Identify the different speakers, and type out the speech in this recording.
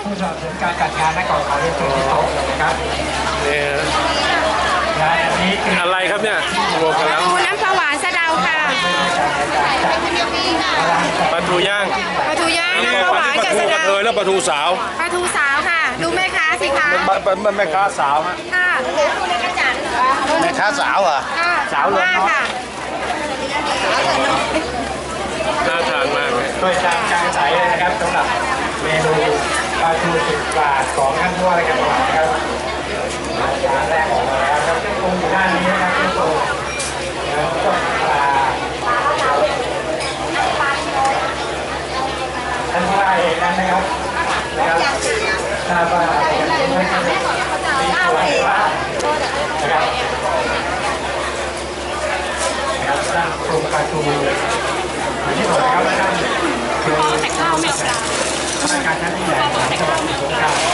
Speaker 1: ผู้สนับสนุนการจัดงานนักก่อนขอเรียนเชิญที่โต๊ะนะครับ
Speaker 2: เนี่ย
Speaker 1: งานอันนี้คือ
Speaker 2: อะไรครับเนี่ยรวมกันแล้ว
Speaker 3: ปูน้ำปลาหวานสะเดาค่ะ
Speaker 2: ปลาทูย่าง
Speaker 3: ปลาทูย่างน้ำปลาหวานกับสะ
Speaker 2: กระ
Speaker 3: เดา
Speaker 2: เทยแล้วปลาทูสาว
Speaker 3: ปลาทูสาวค่ะ ดูแม่ค้าสิคะ
Speaker 2: แม่ค้าสาวฮะ
Speaker 3: ค่ะดูในกระจัน
Speaker 2: แม่ค้าสาวเหรอ
Speaker 3: ค่ะสาวเลยค่ะ
Speaker 2: น่าทานมากเลย
Speaker 1: โดยจานกลางใสเลยนะครับสำหรับเมนูปลาทู10 บาทของท่านผู้ว่าราชการจังหวัดนะครับจานแรกออกมาแล้วครับคงอยู่ด้านนี้นะครับที่โต๊ะแล้วก็ปลาท่านผู้ว่าเองนั้นนะครับทราบว่าไม่ใช่มีตัวว่านะครับสร้างโครงปลาทูที่บอกนะครับว่าท่านคือ
Speaker 3: แต่ข้าวไม่
Speaker 1: ราชการชั้นผู้ใหญ่ของจังหวัดสงขลา